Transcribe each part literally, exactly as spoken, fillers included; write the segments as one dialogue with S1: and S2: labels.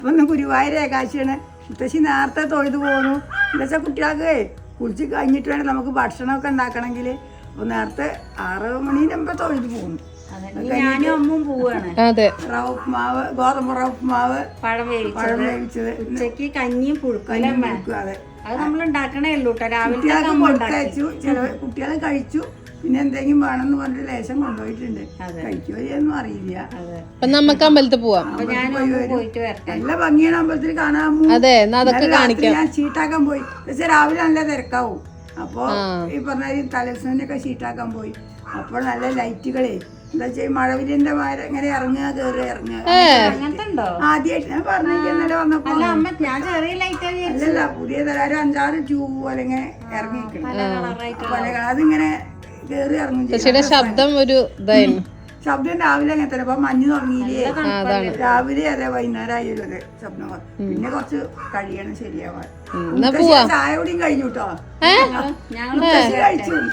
S1: അപ്പം ഗുരുവായൂർ ഏകാശിയാണ്. മുത്തശ്ശി നേരത്തെ തൊഴുതു പോകുന്നു. എന്താ വെച്ചാൽ കുട്ടികൾക്ക് കുളിച്ച് കഴിഞ്ഞിട്ട് വേണം നമുക്ക് ഭക്ഷണമൊക്കെ ഉണ്ടാക്കണമെങ്കിൽ. അപ്പോൾ നേരത്തെ ആറ് മണീൻ്റെ മുമ്പ് തൊഴുതു പോകുന്നു.
S2: ഞാനും അമ്മും പോവാണ്.
S1: റവ ഉപ്മാവ്, ഗോതമ്പ് റവ ഉപ്മാവ്,
S2: പഴം
S1: പഴം വേവിച്ചത്,
S2: ഉച്ചക്ക് കഞ്ഞിയും പുഴുക്കലും.
S1: അതെ,
S2: അത് നമ്മൾ ഉണ്ടാക്കണേ ഉള്ളൂ കേട്ടോ. രാവിലെ
S1: കുട്ടികൾക്ക് കൊടുത്തയച്ചു. ചില കുട്ടികൾ കഴിച്ചു. പിന്നെ എന്തെങ്കിലും വേണമെന്ന് പറഞ്ഞിട്ട് ലേശം കൊണ്ടുപോയിട്ടുണ്ട്. കഴിക്കുമോന്നും അറിയില്ല.
S3: അപ്പൊ നമുക്ക് അമ്പലത്തിൽ പോവാം.
S1: നല്ല ഭംഗിയാണ് അമ്പലത്തിൽ കാണാൻ.
S3: അതെ, അതൊക്കെ കാണിക്കാം.
S1: ഞാൻ ഷീട്ടാക്കാൻ പോയി. പക്ഷെ രാവിലെ നല്ല തിരക്കാവും. അപ്പൊ ഈ പറഞ്ഞ തലേദിവസത്തിനൊക്കെ ഷീട്ടാക്കാൻ പോയി. അപ്പോൾ നല്ല ലൈറ്റുകളെ എന്താ വെച്ചാൽ മഴവിലിന്റെ മാര ഇങ്ങനെ ഇറങ്ങുക കയറി ഇറങ്ങുക. ആദ്യമായിട്ട് ഞാൻ പറഞ്ഞിരിക്കുന്നല്ലേ വന്നപ്പോ. അല്ലല്ല, പുതിയ തരം ഒരു അഞ്ചാറ് ട്യൂബ് പോലെ ഇങ്ങനെ ഇറങ്ങിയിരിക്കണം. അതിങ്ങനെ കയറി ഇറങ്ങും.
S3: ശബ്ദം ഒരു ഇതായിരുന്നു.
S1: ശബ്ദം രാവിലെ അങ്ങനെ തന്നെ. അപ്പൊ മഞ്ഞ് തുടങ്ങിയില്ലേ രാവിലെ. അതെ, വൈകുന്നേരം ആയാലും അതെ ശബ്ദം. പിന്നെ കുറച്ച് കഴിയണം ശരിയാവാൻ. ചായ കൂടിയും കഴിഞ്ഞു കേട്ടോ. കഴിച്ചു.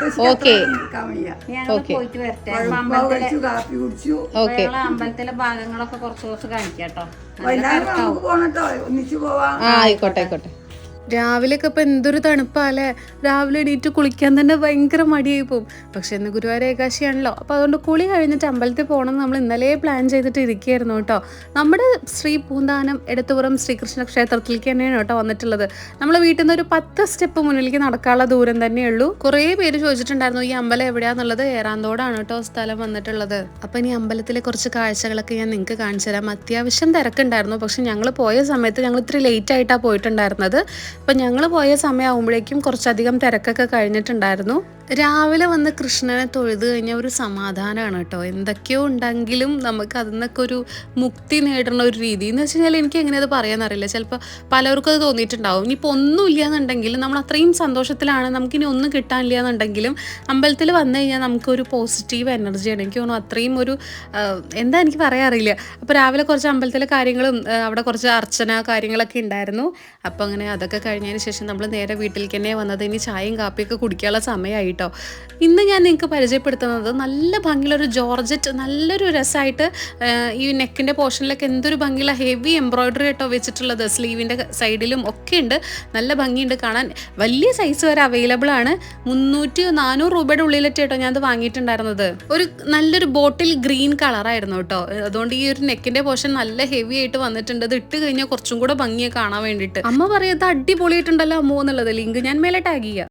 S1: കഴിച്ചു, കാപ്പി കുടിച്ചു.
S2: അമ്പലത്തിലെ ഭാഗങ്ങളൊക്കെ കുറച്ച് കുറച്ച് കാണിക്കാട്ടോ.
S1: വൈകുന്നേരം നമുക്ക് പോണട്ടോ, ഒന്നിച്ചു പോവാം.
S3: ആയിക്കോട്ടെ ആയിക്കോട്ടെ. രാവിലെയൊക്കെ ഇപ്പം എന്തൊരു തണുപ്പല്ലേ. രാവിലെ എണീറ്റ് കുളിക്കാൻ തന്നെ ഭയങ്കര മടിയായി പോകും. പക്ഷെ ഇന്ന് ഗുരുവായൂർ ഏകാശിയാണല്ലോ. അപ്പോൾ അതുകൊണ്ട് കുളി കഴിഞ്ഞിട്ട് അമ്പലത്തിൽ പോകണം നമ്മൾ ഇന്നലെ പ്ലാൻ ചെയ്തിട്ട് ഇരിക്കുകയായിരുന്നു കേട്ടോ. നമ്മുടെ ശ്രീ പൂന്താനം എടത്തുപുറം ശ്രീകൃഷ്ണ ക്ഷേത്രത്തിലേക്ക് തന്നെയാണ് കേട്ടോ വന്നിട്ടുള്ളത്. നമ്മൾ വീട്ടിൽ നിന്ന് ഒരു പത്ത് സ്റ്റെപ്പ് മുന്നിലേക്ക് നടക്കാനുള്ള ദൂരം തന്നെയുള്ളൂ. കുറേ പേര് ചോദിച്ചിട്ടുണ്ടായിരുന്നു ഈ അമ്പലം എവിടെയാന്നുള്ളത്. ഏറാന്തോടാണ് കേട്ടോ സ്ഥലം വന്നിട്ടുള്ളത്. അപ്പം ഇനി അമ്പലത്തിലെ കുറച്ച് കാഴ്ചകളൊക്കെ ഞാൻ നിങ്ങൾക്ക് കാണിച്ചു തരാം. അത്യാവശ്യം തിരക്കുണ്ടായിരുന്നു. പക്ഷെ ഞങ്ങൾ പോയ സമയത്ത് ഞങ്ങൾ ഇത്തിരി ലേറ്റ് ആയിട്ടാണ് പോയിട്ടുണ്ടായിരുന്നത്. അപ്പം ഞങ്ങൾ പോയ സമയമാകുമ്പോഴേക്കും കുറച്ചധികം തിരക്കൊക്കെ കഴിഞ്ഞിട്ടുണ്ടായിരുന്നു. രാവിലെ വന്ന് കൃഷ്ണനെ തൊഴുത് കഴിഞ്ഞാൽ ഒരു സമാധാനമാണ് കേട്ടോ. എന്തൊക്കെയോ ഉണ്ടെങ്കിലും നമുക്ക് അതിൽ നിന്നൊക്കെ ഒരു മുക്തി നേടുന്ന ഒരു രീതി എന്ന് വെച്ച് കഴിഞ്ഞാൽ എനിക്ക് എങ്ങനെ അത് പറയാനറിയില്ല. ചിലപ്പോൾ പലർക്കും അത് തോന്നിയിട്ടുണ്ടാവും. ഇനിയിപ്പോൾ ഒന്നും ഇല്ല എന്നുണ്ടെങ്കിലും നമ്മൾ അത്രയും സന്തോഷത്തിലാണ്, നമുക്കിനി ഒന്നും കിട്ടാനില്ല എന്നുണ്ടെങ്കിലും അമ്പലത്തിൽ വന്നു കഴിഞ്ഞാൽ നമുക്കൊരു പോസിറ്റീവ് എനർജിയാണ്. എനിക്ക് തോന്നുന്നു അത്രയും ഒരു എന്താ എനിക്ക് പറയാറില്ല. അപ്പോൾ രാവിലെ കുറച്ച് അമ്പലത്തിലെ കാര്യങ്ങളും അവിടെ കുറച്ച് അർച്ചന കാര്യങ്ങളൊക്കെ ഉണ്ടായിരുന്നു. അപ്പോൾ അങ്ങനെ അതൊക്കെ കഴിഞ്ഞതിന് ശേഷം നമ്മൾ നേരെ വീട്ടിലേക്ക് തന്നെ വന്നത്. ഇനി ചായയും കാപ്പിയൊക്കെ കുടിക്കാനുള്ള സമയമായി കേട്ടോ. ഇന്ന് ഞാൻ നിങ്ങൾക്ക് പരിചയപ്പെടുത്തുന്നത് നല്ല ഭംഗിയുള്ളൊരു ജോർജറ്റ്, നല്ലൊരു രസമായിട്ട് ഈ നെക്കിൻ്റെ പോർഷനിലൊക്കെ എന്തൊരു ഭംഗിയുള്ള ഹെവി എംബ്രോയിഡറി കേട്ടോ വെച്ചിട്ടുള്ളത്. സ്ലീവിൻ്റെ സൈഡിലും ഒക്കെ ഉണ്ട്. നല്ല ഭംഗിയുണ്ട് കാണാൻ. വലിയ സൈസ് വരെ അവൈലബിൾ ആണ്. മുന്നൂറ്റി നാനൂറ് രൂപയുടെ ഉള്ളിലിട്ട് കേട്ടോ ഞാൻ അത് വാങ്ങിയിട്ടുണ്ടായിരുന്നത്. ഒരു നല്ലൊരു ബോട്ടിൽ ഗ്രീൻ കളറായിരുന്നു കേട്ടോ. അതുകൊണ്ട് ഈ ഒരു നെക്കിൻ്റെ പോർഷൻ നല്ല ഹെവി ആയിട്ട് വന്നിട്ടുണ്ട്. അത് ഇട്ട് കഴിഞ്ഞാൽ കുറച്ചും കൂടെ ഭംഗിയെ കാണാൻ വേണ്ടിയിട്ട്. അമ്മ പറയുന്നത് അടിപൊളിയായിട്ടുണ്ടല്ലോ അമ്മോ എന്നുള്ളത്. ലിങ്ക് ഞാൻ മേലെ ടാഗ് ചെയ്യാം.